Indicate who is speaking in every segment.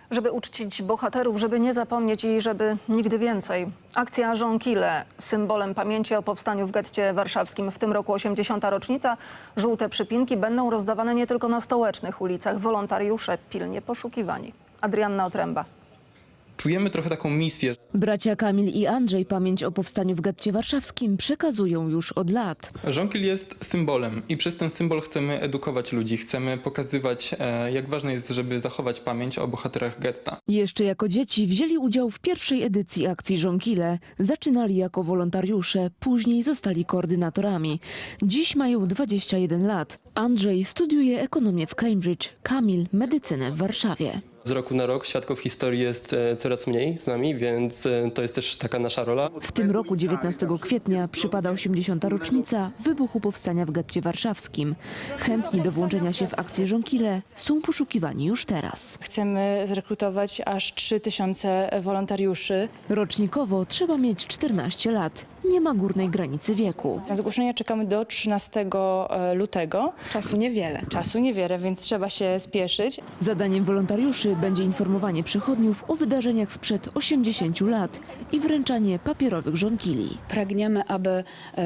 Speaker 1: Żeby uczcić bohaterów, żeby nie zapomnieć i żeby nigdy więcej. Akcja Żonkile, symbolem pamięci o powstaniu w getcie warszawskim. W tym roku 80. rocznica. Żółte przypinki będą rozdawane nie tylko na stołecznych ulicach. Wolontariusze pilnie poszukiwani. Adrianna Otręba.
Speaker 2: Czujemy trochę taką misję.
Speaker 3: Bracia Kamil i Andrzej pamięć o powstaniu w getcie warszawskim przekazują już od lat.
Speaker 2: Żonkil jest symbolem i przez ten symbol chcemy edukować ludzi. Chcemy pokazywać, jak ważne jest, żeby zachować pamięć o bohaterach getta.
Speaker 3: Jeszcze jako dzieci wzięli udział w pierwszej edycji akcji Żonkile. Zaczynali jako wolontariusze, później zostali koordynatorami. Dziś mają 21 lat. Andrzej studiuje ekonomię w Cambridge, Kamil medycynę w Warszawie.
Speaker 4: Z roku na rok świadków historii jest coraz mniej z nami, więc to jest też taka nasza rola.
Speaker 3: W tym roku 19 kwietnia przypada 80. rocznica wybuchu powstania w getcie warszawskim. Chętni do włączenia się w akcję Żonkile są poszukiwani już teraz.
Speaker 5: Chcemy zrekrutować aż 3000 wolontariuszy.
Speaker 3: Rocznikowo trzeba mieć 14 lat. Nie ma górnej granicy wieku.
Speaker 5: Na zgłoszenia czekamy do 13 lutego.
Speaker 6: Czasu niewiele.
Speaker 5: Czasu niewiele, więc trzeba się spieszyć.
Speaker 3: Zadaniem wolontariuszy będzie informowanie przychodniów o wydarzeniach sprzed 80 lat i wręczanie papierowych żonkili.
Speaker 6: Pragniemy, aby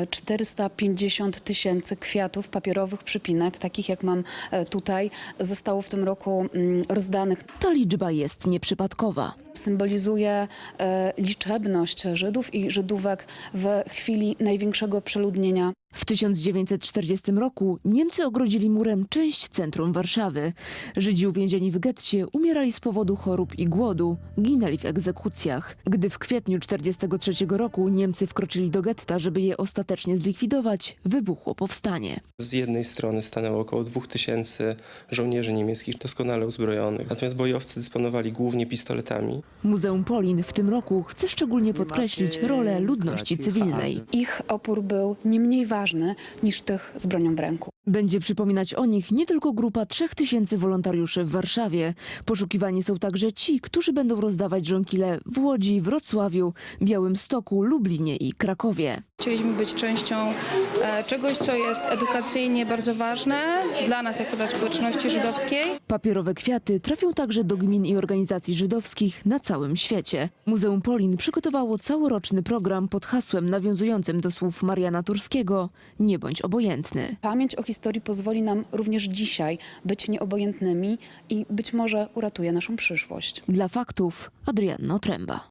Speaker 6: 450 000 kwiatów, papierowych przypinek, takich jak mam tutaj, zostało w tym roku rozdanych.
Speaker 3: Ta liczba jest nieprzypadkowa.
Speaker 6: Symbolizuje liczebność Żydów i Żydówek w chwili największego przeludnienia.
Speaker 3: W 1940 roku Niemcy ogrodzili murem część centrum Warszawy. Żydzi uwięzieni w getcie umierali z powodu chorób i głodu, ginęli w egzekucjach. Gdy w kwietniu 1943 roku Niemcy wkroczyli do getta, żeby je ostatecznie zlikwidować, wybuchło powstanie.
Speaker 4: Z jednej strony stanęło około 2000 żołnierzy niemieckich doskonale uzbrojonych, natomiast bojowcy dysponowali głównie pistoletami.
Speaker 3: Muzeum Polin w tym roku chce szczególnie podkreślić rolę ludności cywilnej.
Speaker 6: Ich opór był nie mniej ważny niż tych z bronią w ręku.
Speaker 3: Będzie przypominać o nich nie tylko grupa 3000 wolontariuszy w Warszawie. Poszukiwani są także ci, którzy będą rozdawać żonkile w Łodzi, Wrocławiu, Białymstoku, Lublinie i Krakowie.
Speaker 7: Chcieliśmy być częścią czegoś, co jest edukacyjnie bardzo ważne dla nas, jako dla społeczności żydowskiej.
Speaker 3: Papierowe kwiaty trafią także do gmin i organizacji żydowskich na całym świecie. Muzeum Polin przygotowało całoroczny program pod hasłem nawiązującym do słów Mariana Turskiego: nie bądź obojętny.
Speaker 6: Pamięć o historii pozwoli nam również dzisiaj być nieobojętnymi i być może uratuje naszą przyszłość.
Speaker 3: Dla faktów Adrianna Otręba.